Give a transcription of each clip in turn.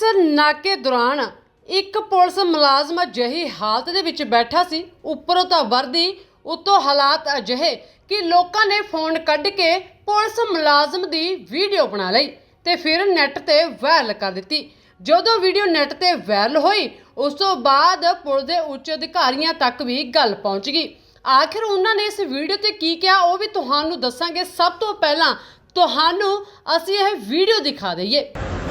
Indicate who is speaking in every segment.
Speaker 1: ਅੰਮ੍ਰਿਤਸਰ ਨਾਕੇ ਦੌਰਾਨ ਇੱਕ ਪੁਲਿਸ ਮੁਲਾਜ਼ਮ ਅਜਿਹੀ ਹਾਲਤ ਦੇ ਵਿੱਚ ਬੈਠਾ ਸੀ, ਉੱਪਰੋਂ ਤਾਂ ਵਰਦੀ ਉੱਤੋਂ ਹਾਲਾਤ ਅਜਿਹੇ ਕਿ ਲੋਕਾਂ ਨੇ ਫੋਨ ਕੱਢ ਕੇ ਪੁਲਿਸ ਮੁਲਾਜ਼ਮ ਦੀ ਵੀਡੀਓ ਬਣਾ ਲਈ ਤੇ ਫਿਰ ਨੈੱਟ ਤੇ ਵਾਇਰਲ ਕਰ ਦਿੱਤੀ। ਜਦੋਂ ਵੀਡੀਓ ਨੈੱਟ ਤੇ ਵਾਇਰਲ ਹੋਈ ਉਸ ਤੋਂ ਬਾਅਦ ਪੁਲਿਸ ਦੇ ਉੱਚ ਅਧਿਕਾਰੀਆਂ ਤੱਕ ਵੀ ਗੱਲ ਪਹੁੰਚ ਗਈ। ਆਖਿਰ ਉਹਨਾਂ ਨੇ ਇਸ ਵੀਡੀਓ ਤੇ ਕੀ ਕਿਹਾ ਉਹ ਵੀ ਤੁਹਾਨੂੰ ਦੱਸਾਂਗੇ। ਸਭ ਤੋਂ ਪਹਿਲਾਂ ਤੁਹਾਨੂੰ ਅਸੀਂ ਇਹ ਵੀਡੀਓ ਦਿਖਾ ਦਈਏ।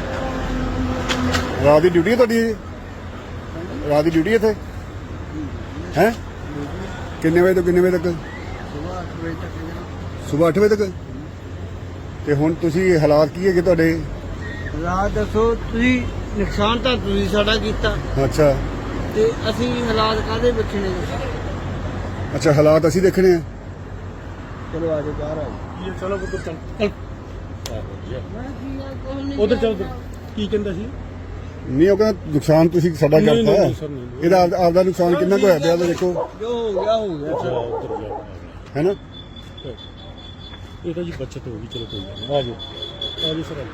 Speaker 2: रात की ड्यूटी है तुहाडी? रात की ड्यूटी इत्थे है? किन्ने बजे तो किन्ने बजे तक? सुबह 8 बजे तक। ते हुण तुसीं हालात की है कि तुहाडे?
Speaker 3: हालात दसो तुसीं नुकसान तां तुसीं साडा कीता।
Speaker 2: अच्छा
Speaker 3: ते असीं हालात काहदे ਵੇਖਣੇ?
Speaker 2: अच्छा हालात असीं देखने हैं।
Speaker 3: चलो आजो बाहर आओ।
Speaker 4: ये चलो उधर चल उधर चल की कहंदा सी
Speaker 2: नहीं वो कहना नुकसान तुसीं साडा
Speaker 4: नहीं,
Speaker 2: करता
Speaker 4: नहीं, सर, नहीं।
Speaker 2: ਇਹਦਾ ਆਪਦਾ नुकसान कितना को होया पिया देखो
Speaker 3: जो हो गया
Speaker 4: अच्छा उधर जाओ
Speaker 2: है ना।
Speaker 4: ये तो जी बचत होगी। चलो कोई नहीं, आ जाओ सर।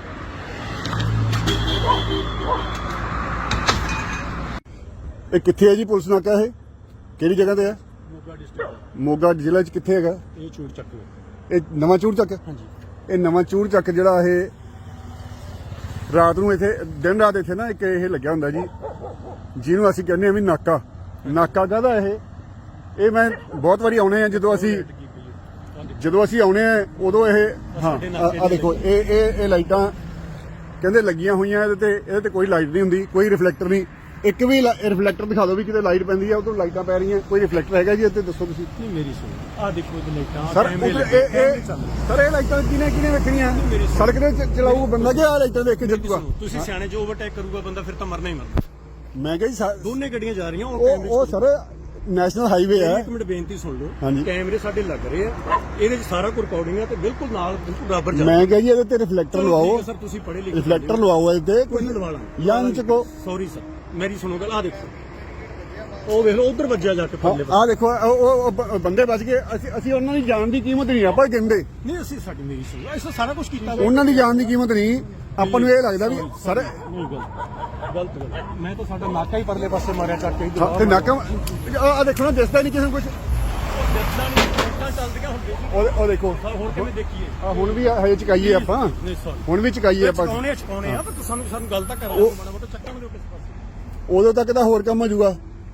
Speaker 2: ਇਹ ਕਿੱਥੇ ਹੈ ਜੀ ਪੁਲਿਸ ਨਾਕਾ? ਇਹ ਕਿਹੜੀ ਜਗ੍ਹਾ ਤੇ ਹੈ?
Speaker 4: मोगा डिस्ट्रिक्ट
Speaker 2: ਮੋਗਾ ਜ਼ਿਲ੍ਹੇ 'ਚ ਕਿੱਥੇ ਹੈਗਾ?
Speaker 4: ये चूड़ चक्क
Speaker 2: ਇਹ ਨਵਾਂ ਚੂੜ ਚੱਕ।
Speaker 4: हाँ जी
Speaker 2: ਇਹ ਨਵਾਂ ਚੂੜ ਚੱਕ ਜਿਹੜਾ ਇਹ ਰਾਤ ਨੂੰ ਇੱਥੇ ਦਿਨ ਰਾਤ ਇੱਥੇ ਨਾ ਇੱਕ ਇਹ ਲੱਗਿਆ ਹੁੰਦਾ ਜੀ, ਜਿਹਨੂੰ ਅਸੀਂ ਕਹਿੰਦੇ ਆ ਵੀ ਨਾਕਾ। ਨਾਕਾ ਕਾਹਦਾ ਇਹ ਮੈਂ ਬਹੁਤ ਵਾਰੀ ਆਉਣੇ ਆ ਜਦੋਂ ਅਸੀਂ ਆਉਣੇ ਆ ਉਦੋਂ ਇਹ ਹਾਂ ਆ ਦੇਖੋ ਇਹ ਲਾਈਟਾਂ ਕਹਿੰਦੇ ਲੱਗੀਆਂ ਹੋਈਆਂ। ਇਹਦੇ ਤੇ ਕੋਈ ਲਾਈਟ ਨਹੀਂ ਹੁੰਦੀ, ਕੋਈ ਰਿਫਲੈਕਟਰ ਨਹੀਂ। ਇੱਕ ਵੀ ਰਿਫਲੈਕਟਰ ਦਿਖਾ ਦਿਓ ਵੀ ਕਿਤੇ ਲਾਈਟ ਪੈਂਦੀ ਆ ਉਦੋਂ ਲਾਈਟਾਂ ਪੈ ਰਹੀਆਂ। ਕੋਈ ਰਿਫਲੈਕਟਰ ਹੈਗਾ ਜੀ ਇੱਥੇ? ਦੱਸੋ ਤੁਸੀਂ।
Speaker 4: नहीं मेरी सुनो आ देखो इधर लाइटां
Speaker 2: ਸਰ ਸਰ ਇਹ ਲਾਈਟਾਂ ਕਿਹਨੇ ਵੇਖਣੀਆਂ? ਸੜਕ ਤੇ ਚਲਾਊ ਬੰਦਾ ਕਿ ਆ ਲਾਈਟਾਂ ਦੇਖ ਕੇ ਜੱਟੂਗਾ?
Speaker 4: ਤੁਸੀਂ ਸਿਆਣੇ ਜੋ ਓਵਰਟੇਕ ਕਰੂਗਾ ਬੰਦਾ ਫਿਰ ਤਾਂ ਮਰਨਾ ਹੀ ਮਰਨਾ।
Speaker 2: ਮੈਂ ਕਿਹਾ ਜੀ
Speaker 4: ਦੋਨੇ ਗੱਡੀਆਂ ਜਾ ਰਹੀਆਂ
Speaker 2: ਉਹ ਸਰ ਨੈਸ਼ਨਲ ਹਾਈਵੇ ਹੈ।
Speaker 4: ਇੱਕ ਮਿੰਟ ਬੇਨਤੀ ਸੁਣ ਲਓ।
Speaker 2: ਹਾਂਜੀ।
Speaker 4: ਕੈਮਰੇ ਸਾਡੇ ਲੱਗ ਰਹੇ ਆ, ਇਹਦੇ 'ਚ ਸਾਰਾ ਕੁਝ ਰਿਕਾਰਡਿੰਗ ਆ ਤੇ ਬਿਲਕੁਲ ਨਾਲ ਬਿਲਕੁਲ ਬਰਾਬਰ ਚੱਲ।
Speaker 2: ਮੈਂ ਕਿਹਾ ਜੀ ਇਹਦੇ ਤੇ ਰਿਫਲੈਕਟਰ ਲਵਾਓ।
Speaker 4: ਸਰ ਤੁਸੀਂ ਪੜ੍ਹੇ ਲਿਖੇ
Speaker 2: ਰਿਫਲੈਕਟਰ ਲਵਾਓ ਇਹਦੇ
Speaker 4: ਕੋਈ ਨਹੀਂ ਲਵਾ ਲਾਂਗੇ।
Speaker 2: ਯੰਗ ਚੱਕੋ।
Speaker 4: ਸੌਰੀ ਸਰ ਮੇਰੀ ਸੁਣੋ ਗੱਲ। ਆ ਦੇਖੋ ਉਹ ਵੇਖ ਲਓ ਉਧਰ ਵੱਜਿਆ ਜਾ ਕੇ ਪੱਲੇ
Speaker 2: ਆ ਦੇਖੋ ਉਹ ਬੰਦੇ ਬਚ ਗਏ। ਅਸੀਂ ਉਹਨਾਂ ਦੀ ਜਾਨ ਦੀ ਕੀਮਤ ਨਹੀਂ ਆਪਾਂ ਕਹਿੰਦੇ।
Speaker 4: ਨਹੀਂ ਅਸੀਂ ਸਾਡੀ ਮੇਰੀ ਸੁਣੋ ਅਸੀਂ ਸਾਰਾ ਕੁਝ ਕੀਤਾ ਵਾ।
Speaker 2: ਉਹਨਾਂ ਦੀ ਜਾਨ ਦੀ ਕੀਮਤ ਨਹੀਂ ਆਪਾਂ ਨੂੰ ਇਹ ਲੱਗਦਾ ਵੀ ਸਰ
Speaker 4: ਨਹੀਂ ਗਲਤ ਗੱਲ। ਮੈਂ ਤਾਂ ਸਾਡਾ ਨਾਕਾ ਹੀ ਪਰਲੇ ਪਾਸੇ ਮਾਰਿਆ ਚੱਕ ਕੇ
Speaker 2: ਤੇ ਨਾਕਾ ਆ ਦੇਖੋ ਨਾ ਦਿਸਦਾ ਨਹੀਂ ਕਿਸੇ ਨੂੰ ਕੁਝ।
Speaker 4: ਚੱਲਦੀਆਂ ਹੁੰਦੀਆਂ ਸੀ।
Speaker 2: ਉਹ ਦੇਖੋ
Speaker 4: ਹੁਣ ਕਿਵੇਂ ਦੇਖੀਏ?
Speaker 2: ਆ ਹੁਣ ਵੀ ਹਜੇ ਚਕਾਈਏ ਆਪਾਂ।
Speaker 4: ਨਹੀਂ ਸੌਰੀ
Speaker 2: ਹੁਣ ਵੀ ਚਕਾਈਏ ਆਪਾਂ।
Speaker 4: ਚਕਾਉਣੇ ਆ ਪਰ ਸਾਨੂੰ ਗੱਲ ਤਾਂ ਕਰਾ ਦਿਓ ਮਾੜਾ ਮੋਟਾ ਚੱਕਾਂਗੇ ਕਿਸੇ ਪਾਸੇ।
Speaker 2: ਉਦੋਂ ਤੱਕ ਤਾਂ ਹੋਰ ਕੰਮ ਹੋ ਜਾਊਗਾ।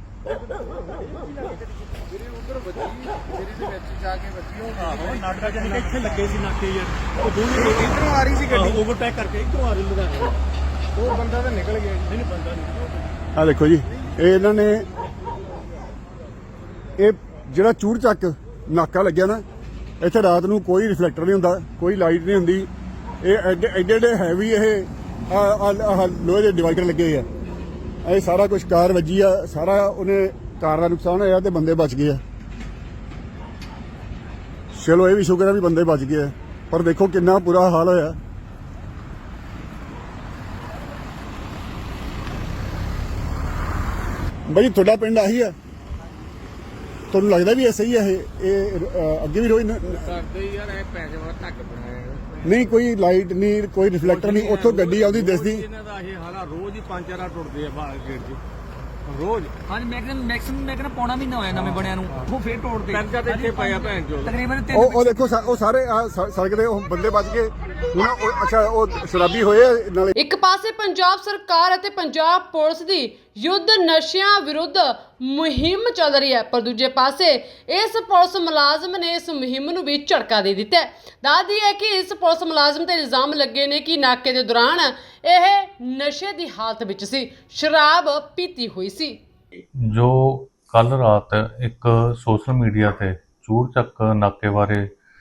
Speaker 4: ਨਾਟਕਾ ਜਾਨੀ ਕਿ ਇੱਥੇ ਲੱਗੇ ਸੀ ਨਾਕੇ ਯਾਰ। ਉਹ ਦੋਨੇ ਇਧਰੋਂ ਆ ਰਹੀ ਸੀ ਗੱਡੀ ਓਵਰਟੇਕ ਕਰਕੇ ਇਧਰੋਂ ਆ ਰਹੀ ਲੁਧਿਆਣੇ। ਉਹ ਬੰਦਾ ਤਾਂ ਨਿਕਲ ਗਿਆ। ਨਹੀਂ ਬੰਦਾ ਨਹੀਂ।
Speaker 2: ਆ ਦੇਖੋ ਜੀ ਇਹ ਇਹਨਾਂ ਨੇ ਇਹ ਜਿਹੜਾ ਚੂੜ ਚੱਕ ਨਾਕਾ ਲੱਗਿਆ ਨਾ ਇੱਥੇ ਰਾਤ ਨੂੰ ਕੋਈ ਰਿਫਲੈਕਟਰ ਨਹੀਂ ਹੁੰਦਾ, ਕੋਈ ਲਾਈਟ ਨਹੀਂ ਹੁੰਦੀ। ਇਹ ਐਡੇ ਹੈਵੀ ਇਹ ਲੋਹੇ ਦੇ ਡਿਵਾਈਡਰ ਲੱਗੇ ਹੋਏ ਆ। ਇਹ ਸਾਰਾ ਕੁਝ ਕਾਰ ਵੱਜੀ ਆ, ਸਾਰਾ ਉਹਨੇ ਕਾਰ ਦਾ ਨੁਕਸਾਨ ਹੋਇਆ ਤੇ ਬੰਦੇ ਬਚ ਗਏ ਆ। ਚਲੋ ਇਹ ਵੀ ਸ਼ੁਕਰ ਹੈ ਵੀ ਬੰਦੇ ਬਚ ਗਏ ਆ, ਪਰ ਦੇਖੋ ਕਿੰਨਾ ਬੁਰਾ ਹਾਲ ਹੋਇਆ। ਬਾਈ ਤੁਹਾਡਾ ਪਿੰਡ ਆਹੀ ਆ? ਤੁਹਾਨੂੰ ਲੱਗਦਾ ਵੀ ਐਸਾ ਹੀ ਹੈ ਇਹ ਅੱਗੇ ਵੀ ਰੋਜ਼
Speaker 3: ਕਰਦੇ ਯਾਰ ਇਹ ਪੈਸੇ ਵਾਲਾ ਧੱਕ ਬਣਾਇਆ।
Speaker 2: ਨਹੀਂ ਕੋਈ ਲਾਈਟ ਨਹੀਂ, ਕੋਈ ਰਿਫਲੈਕਟਰ ਨਹੀਂ। ਉੱਥੋਂ ਗੱਡੀ ਆਉਂਦੀ ਦਿਸਦੀ।
Speaker 3: ਇਹਨਾਂ ਦਾ ਇਹ ਹਾਲਾ ਰੋਜ਼ ਹੀ 5-4 ਟੁੱਟਦੇ ਆ ਬਾਹਰ ਗੇਟ 'ਚ ਰੋਜ਼।
Speaker 5: ਹਾਂਜੀ ਮੈਕਸਿਮਮ ਮੈਂ ਕਹਿੰਦਾ ਪੌਣਾ ਮਹੀਨਾ ਹੋਇਆ ਨਵੇਂ ਬਣਿਆ ਨੂੰ, ਉਹ ਫੇਰ ਤੋੜਦੇ
Speaker 3: ਕਰਜ਼ਾ ਤੇ ਇੱਥੇ ਪਿਆ ਭੈਣ ਚੋਦ।
Speaker 5: ਤਕਰੀਬਨ
Speaker 2: ਉਹ ਦੇਖੋ ਉਹ ਸਾਰੇ ਸੜਕ ਦੇ ਉਹ ਬੰਦੇ ਬਚ ਗਏ। ਹੁਣ ਅੱਛਾ ਉਹ ਸ਼ਰਾਬੀ ਹੋਏ ਆ ਨਾਲੇ।
Speaker 1: ਇੱਕ ਪਾਸੇ ਪੰਜਾਬ ਸਰਕਾਰ ਅਤੇ ਪੰਜਾਬ ਪੁਲਿਸ ਦੀ ਯੁੱਧ ਨਸ਼ਿਆਂ ਵਿਰੁੱਧ ਮੁਹਿੰਮ ਚੱਲ ਰਹੀ ਹੈ, ਪਰ ਦੂਜੇ ਪਾਸੇ ਇਸ ਪੁਲਿਸ ਮੁਲਾਜ਼ਮ ਨੇ ਇਸ ਮੁਹਿੰਮ ਨੂੰ ਵੀ ਝਟਕਾ ਦੇ ਦਿੱਤਾ ਹੈ। ਦੱਸਦੀ ਹੈ ਕਿ ਇਸ ਪੁਲਿਸ ਮੁਲਾਜ਼ਮ ਤੇ ਇਲਜ਼ਾਮ ਲੱਗੇ ਨੇ ਕਿ ਨਾਕੇ ਦੇ ਦੌਰਾਨ ਇਹ ਨਸ਼ੇ ਦੀ ਹਾਲਤ ਵਿੱਚ ਸੀ, ਸ਼ਰਾਬ ਪੀਤੀ ਹੋਈ ਸੀ।
Speaker 6: ਜੋ ਕੱਲ ਰਾਤ ਇੱਕ ਸੋਸ਼ਲ ਮੀਡੀਆ ਤੇ ਚੂੜ ਚੱਕ ਨਾਕੇ ਬਾਰੇ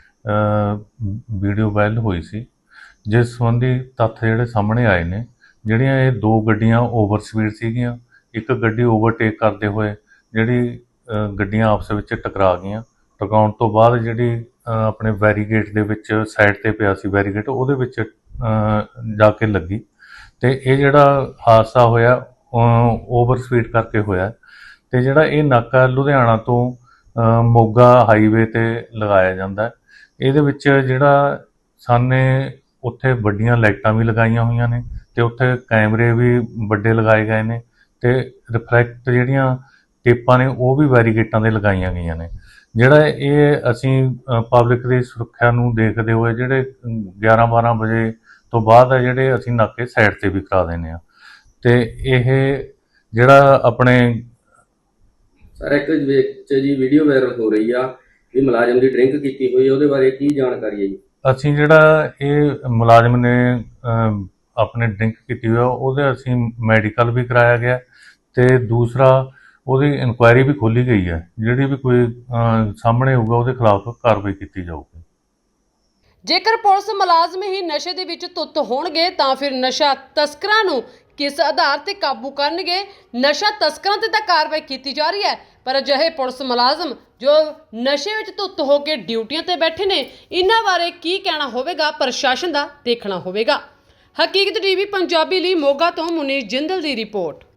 Speaker 6: ਵੀਡੀਓ ਵਾਇਰਲ ਹੋਈ ਸੀ, ਜਿਸ ਸੰਬੰਧੀ ਤੱਥ ਜਿਹੜੇ ਸਾਹਮਣੇ ਆਏ ਨੇ। ਜਿਹੜੀਆਂ ਇਹ ਦੋ ਗੱਡੀਆਂ ਓਵਰ ਸਪੀਡ ਸੀਗੀਆਂ, ਇੱਕ ਗੱਡੀ ਓਵਰਟੇਕ ਕਰਦੇ ਹੋਏ ਜਿਹੜੀ ਗੱਡੀਆਂ ਆਪਸ ਵਿੱਚ ਟਕਰਾ ਗਈਆਂ। ਟਕਰਾਉਣ ਤੋਂ ਬਾਅਦ ਜਿਹੜੀ ਆਪਣੇ ਬੈਰੀਗੇਟ ਦੇ ਵਿੱਚ ਸਾਈਡ ਤੇ ਪਿਆ ਸੀ ਬੈਰੀਗੇਟ, ਉਹਦੇ ਵਿੱਚ ਜਾ ਕੇ ਲੱਗੀ ਤੇ ਇਹ ਜਿਹੜਾ ਹਾਦਸਾ ਹੋਇਆ ਓਵਰ ਸਪੀਡ ਕਰਕੇ ਹੋਇਆ। ਤੇ ਜਿਹੜਾ ਇਹ ਨਾਕਾ ਲੁਧਿਆਣਾ ਤੋਂ ਮੋਗਾ ਹਾਈਵੇ ਤੇ ਲਗਾਇਆ ਜਾਂਦਾ। ਇਹਦੇ ਵਿੱਚ ਜਿਹੜਾ ਸਾਨੇ ਉੱਥੇ ਵੱਡੀਆਂ ਲਾਈਟਾਂ ਵੀ ਲਗਾਈਆਂ ਹੋਈਆਂ ਨੇ ਤੇ ਉੱਥੇ ਕੈਮਰੇ ਵੀ ਵੱਡੇ ਲਗਾਏ ਗਏ ਨੇ ਤੇ ਰਿਫਲੈਕਟ ਜਿਹੜੀਆਂ ਟੇਪਾਂ ਨੇ ਉਹ ਵੀ ਬੈਰੀਕੇਟਾਂ ਦੇ ਲਗਾਈਆਂ ਗਈਆਂ ਨੇ। ਜਿਹੜਾ ਇਹ ਅਸੀਂ ਪਬਲਿਕ ਦੀ ਸੁਰੱਖਿਆ ਨੂੰ ਦੇਖਦੇ ਹੋਏ ਜਿਹੜੇ 11-12 ਵਜੇ ਤੋਂ ਬਾਅਦ ਹੈ ਜਿਹੜੇ ਅਸੀਂ ਨਾਕੇ ਸਾਈਡ ਤੇ ਵੀ ਕਰਾ ਦਿੰਦੇ ਆ। ਤੇ ਇਹ ਜਿਹੜਾ ਆਪਣੇ
Speaker 7: ਸਰ ਇੱਕ ਵਿੱਚ ਜੀ ਵੀਡੀਓ ਵਾਇਰਲ ਹੋ ਰਹੀ ਆ ਵੀ ਮੁਲਾਜ਼ਮ ਦੀ ਡਰਿੰਕ ਕੀਤੀ ਹੋਈ ਹੈ, ਉਹਦੇ ਬਾਰੇ ਕੀ ਜਾਣਕਾਰੀ ਹੈ ਜੀ?
Speaker 6: ਅਸੀਂ ਜਿਹੜਾ ਇਹ ਮੁਲਾਜ਼ਮ ਨੇ ਆਪਣੇ ਡਰਿੰਕ ਕੀਤੀ ਹੋਈ ਆ ਉਹਦੇ ਅਸੀਂ ਮੈਡੀਕਲ ਵੀ ਕਰਾਇਆ ਗਿਆ ਤੇ ਦੂਸਰਾ ਉਹਦੀ ਇਨਕੁਆਇਰੀ ਵੀ ਖੋਲ੍ਹੀ ਗਈ ਹੈ। ਜਿਹੜੀ ਵੀ ਕੋਈ ਸਾਹਮਣੇ ਹੋਊਗਾ ਉਹਦੇ ਖਿਲਾਫ ਕਾਰਵਾਈ ਕੀਤੀ ਜਾਊਗੀ।
Speaker 1: ਜੇਕਰ ਪੁਲਿਸ ਮੁਲਾਜ਼ਮ ਹੀ ਨਸ਼ੇ ਦੇ ਵਿੱਚ ਧੁੱਤ ਹੋਣਗੇ ਤਾਂ ਫਿਰ ਨਸ਼ਾ ਤਸਕਰਾਂ ਨੂੰ ਕਿਸ ਆਧਾਰ ਤੇ ਕਾਬੂ ਕਰਨਗੇ? ਨਸ਼ਾ ਤਸਕਰਾਂ ਤੇ ਤਾਂ ਕਾਰਵਾਈ ਕੀਤੀ ਜਾ ਰਹੀ ਹੈ, ਪਰ ਅਜਿਹੇ ਪੁਲਿਸ ਮੁਲਾਜ਼ਮ ਜੋ ਨਸ਼ੇ ਵਿੱਚ ਧੁੱਤ ਹੋ ਕੇ ਡਿਊਟੀਆਂ ਤੇ ਬੈਠੇ ਨੇ, ਇਹਨਾਂ ਬਾਰੇ ਕੀ ਕਹਿਣਾ ਹੋਵੇਗਾ ਪ੍ਰਸ਼ਾਸਨ ਦਾ ਦੇਖਣਾ ਹੋਵੇਗਾ। ਹਕੀਕਤ ਟੀਵੀ ਪੰਜਾਬੀ ਲਈ ਮੋਗਾ ਤੋਂ ਮੁਨੀਰ ਜਿੰਦਲ ਦੀ ਰਿਪੋਰਟ।